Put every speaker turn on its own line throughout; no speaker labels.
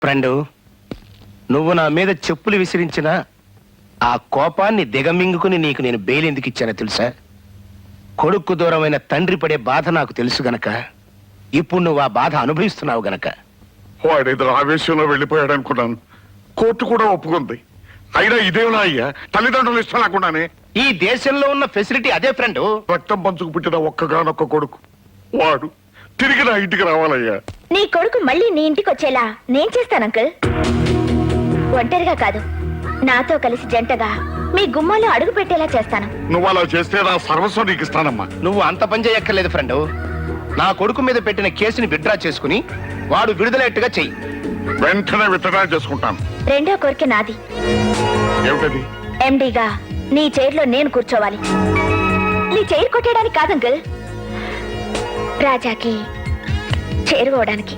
Friend, నువ్వు నా మీద చెప్పులు విసిరించిన ఆ కోపాన్ని దిగమింగుకుని నీకు నేను బెయిల్ ఎందుకు ఇచ్చానో తెలుసా? కొడుకు దూరమైన తండ్రి పడే బాధ నాకు తెలుసు గనక, ఇప్పుడు నువ్వు ఆ బాధ అనుభవిస్తున్నావు గనక.
వాడేదో ఆవేశంలో వెళ్ళిపోయాడు అనుకున్నాను. కోర్టు కూడా ఒప్పుకుంది. అయినా ఇదేనా అయ్యా, తల్లిదండ్రులు ఇష్టం లేకుండానే?
ఈ దేశంలో ఉన్న ఫెసిలిటీ అదే ఫ్రెండు.
రక్తం పంచుకు పుట్టిన ఒక్కగానొక్క కొడుకు వాడు తిరిగి నా ఇంటికి రావాలయ్యా.
నీ కొడుకు మళ్ళీ నీ ఇంటికి వచ్చేలా నేను చేస్తాను అంకుల్. ఒంటరిగా కాదు, నాతో కలిసి జంటగా మీ గుమ్మాలో అడుగు పెట్టేలా చేస్తాను.
నువ్వు అలా చేస్తే నా సర్వస్వం నీకు ఇస్తానమ్మా.
నువ్వు అంత పని చేయక్కర్లేదు ఫ్రెండు. నా కొడుకు మీద పెట్టిన కేసుని విత్డ్రా చేసుకుని వాడు విడుదలయ్యేట్టుగా చెయ్యి.
వెంటనే విత్డ్రా చేసుకుంటాను.
రెండో కోరిక నాది.
ఏమిటది?
ఎండీగా నీ చైర్లో నేను కూర్చోవాలి. నీ చైర్ కొట్టేయడానికి కాదు అంకుల్, రాజాకి చేరుకోవడానికి.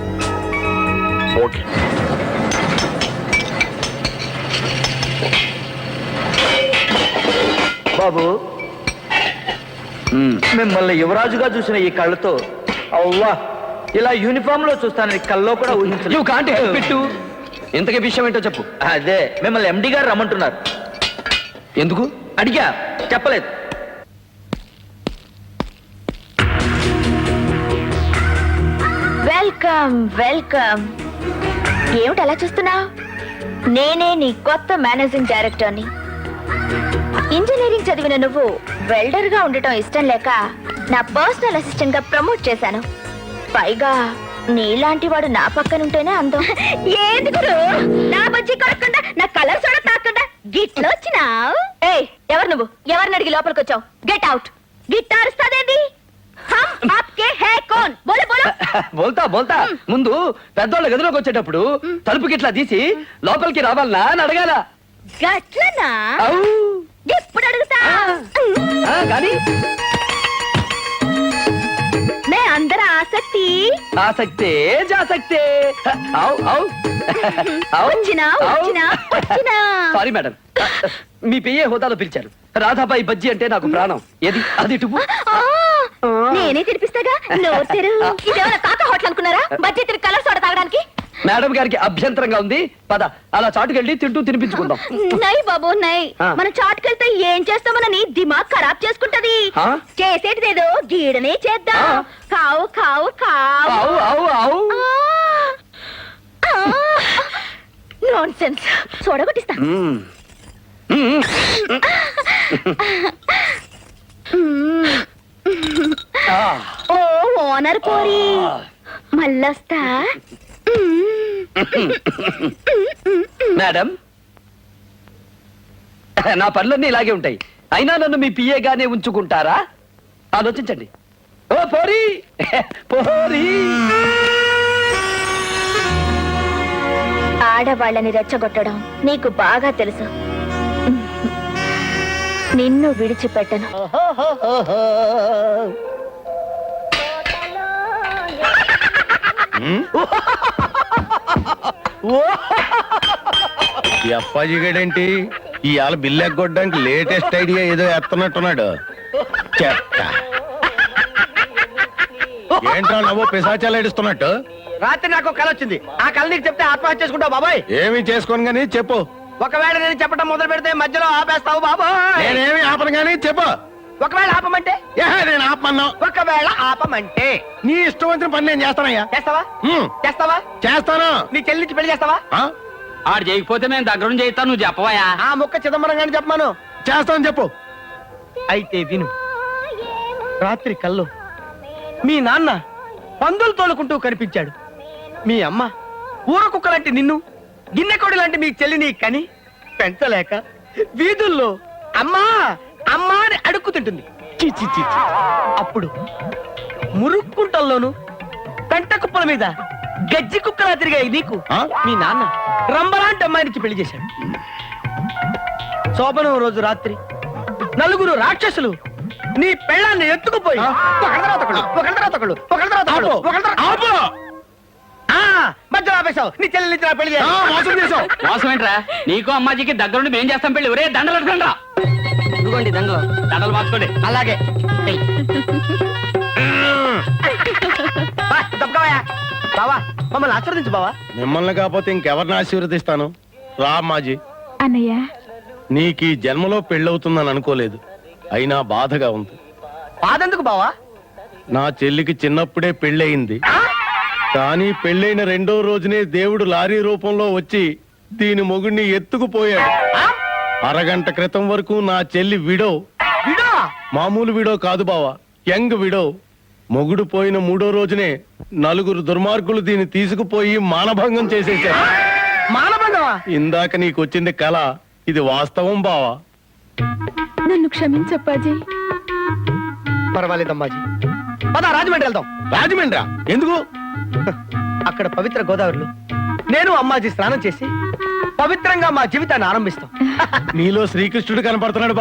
ఓకే.
బాబు, మిమ్మల్ని యువరాజుగా చూసిన ఈ కళ్ళతో అవ్వా ఇలా యూనిఫామ్ లో చూస్తానని కల్లో కూడా ఊహించలేదు.
ఇంతకీ విషయం ఏంటో చెప్పు.
అదే, మిమ్మల్ని ఎండి గారు రమ్మంటున్నారు.
ఎందుకు
అడిగా, చెప్పలేదు.
Welcome welcome. ఏమిటి అలా చూస్తున్నావు? నేనే నీ కొత్త మేనేజింగ్ డైరెక్టర్ని. ఇంజనీరింగ్ చదివిన నువ్వు వెల్డర్ గా ఉండటం ఇష్టం లేక నా పర్సనల్ అసిస్టెంట్ గా ప్రమోట్ చేశాను. పైగా నీలాంటి వాడు నా పక్కనుంటేనే అందం. ఏంది గురు, నా బజ్జీ కొడకుండా నా కలర్ చూడ తాకుండా గిట్లో వచ్చినావు? ఏయ్, ఎవరు నువ్వు? ఎవరిని అడిగి లోపలికి వచ్చావు? Get out. గిట్టార్ ఇస్తాదేంది?
బోల్తా బోల్తా. ముందు పెద్దోళ్ళ గదిలోకి వచ్చేటప్పుడు తలుపుకి ఇట్లా తీసి లోపలికి రావాలనా అని అడగాల.
గట్లనా? ఎప్పుడు అడుగుతా
కానీ
మే అందర ఆసక్తి
ఆసక్తే జాసక్తే. సారీ మేడం, మీ పిఏ హోదాలో పిలిచారు. రాధాబాయి బజ్జీ అంటే నాకు ప్రాణం. ఏది అది టుపు.
నేనే తినిపిస్తాగా. ఇదేమైనా కాక హోటల్ అనుకున్నారా? బజ్జీ తిరిగి కలర్ సోడా తాగడానికి?
మేడం గారికి అభ్యంతరంగా ఉంది. పద అలా చాటుకెళ్ళి తింటూ తినిపించుకుందాం.
నై బాబు నై, మన చాటుకెళ్తే ఏం చేస్తామనని దిమాగ్ ఖరాబ్ చేసుకుంటది. చేసేటిదేదో గీడనే చేద్దాం. కావు కావు కావు. నాన్సెన్స్. చూడగొట్టిస్తా. ఓ ఓనర్ పోరి, మళ్ళొస్తా.
మేడం, నా పనులన్నీ ఇలాగే ఉంటాయి. అయినా నన్ను మీ పిఏగానే ఉంచుకుంటారా? ఆలోచించండి. ఓ పోరి పోరి.
ఆడవాళ్ళని రెచ్చగొట్టడం నీకు బాగా తెలుసు. నిన్ను విడిచిపెట్టను.
ఈ అప్పాజిగడేంటి ఇవాళ బిల్లు ఎగ్గొట్టడానికి లేటెస్ట్ ఐడియా ఏదో ఎత్తనట్టున్నాడు. చెత్త. ఏంట్రా నవ్వు పిశాచాలు ఏడుస్తున్నట్టు?
రాత్రి నాకు కళ వచ్చింది. ఆ కళ నీకు చెప్తే ఆత్మహత్య చేసుకుంటావు బాబాయ్.
ఏమి చేసుకోను గానీ చెప్పు.
ఒకవేళ నేను చెప్పడం మొదలు పెడితే మధ్యలో ఆపేస్తావు బాబాయ్.
నేనేమి ఆపను గానీ చెప్పు.
ఒకవేళ ఆపమంటే?
నేను ఆపమన్నా.
ఒకవేళ ఆపమంటే
నీ ఇష్టం వచ్చిన పని నేను చేస్తానయ్యా.
చేస్తావా? చేస్తావా?
చేస్తాను.
నీ చెల్లించి పెళ్లి చేస్తావా?
ఆడు చేయకపోతే మేము దగ్గర నుంచి చేస్తాను. నువ్వు చెప్పవయా?
ఆ ముక్క చిదంబరం గాని చెప్పమాను.
చేస్తాను చెప్పు.
అయితే విను. రాత్రి కల్లో మీ నాన్న పందులు తోలుకుంటూ కనిపించాడు. మీ అమ్మ ఊర కుక్క లాంటి నిన్ను, గిన్నెకోడి లాంటి మీ చెల్లిని కని పెంచలేక వీధుల్లో అమ్మా అమ్మా అని అడుక్కుతుంటుంది. అప్పుడు మురుక్కుంటల్లోను పెంట కుప్పల మీద గజ్జి కుక్కలా తిరిగాయి నీకు మీ నాన్న రంబలాంటి అమ్మాయినికి పెళ్లి చేశాడు. శోభనం రోజు రాత్రి నలుగురు రాక్షసులు నీ పెళ్ళాన్ని ఎత్తుకుపోయి మధ్యలో ఆపేశావు. నీ చెల్లి నుంచి పెళ్లి చేశావు.
మోసం ఏంట్రా? నీకు అమ్మాజీకి దగ్గరుండి మేం చేస్తాం పెళ్లి. ఒరే దండలు అడగండి. ఇదిగోండి దండలు. దండలు మార్చుకోండి.
అలాగే తప్పకవయ్యా బావా. మమ్మల్ని ఆశీర్వదించు బావా.
మిమ్మల్ని కాకపోతే ఇంకెవరిని ఆశీర్వదిస్తాను? రా అమ్మాజీ.
అన్నయ్య
నీకు ఈ జన్మలో పెళ్ళవుతుందని అనుకోలేదు, అయినా బాధగా ఉంది.
బాధెందుకు బావా?
నా చెల్లికి చిన్నప్పుడే పెళ్ళయింది, కానీ పెళ్ళైన 2వ రోజునే దేవుడు లారీ రూపంలో వచ్చి దీని మొగుడిని ఎత్తుకుపోయాడు. అరగంట క్రితం వరకు నా చెల్లి విడో.
విడో?
మామూలు విడో కాదు బావా, యంగ్ విడో. మొగుడు పోయిన 3వ రోజునే 4 దుర్మార్గులు దీన్ని తీసుకుపోయి మానభంగం చేసేశారు.
మానభంగమా?
ఇందాక నీకు వచ్చింది కళ, ఇది వాస్తవం బావా.
నన్ను క్షమించప్పాజీ.
పర్వాలేదమ్మాజీ, పద రాజమండ్రి వెళ్దాం.
రాజమండ్రా? ఎందుకు?
అక్కడ పవిత్ర గోదావరిలో నేను అమ్మాజీ స్నానం చేసి పవిత్రంగా మా జీవితాన్ని ఆరంభిస్తాం.
నీలో శ్రీకృష్ణుడు కనపడుతున్నాడు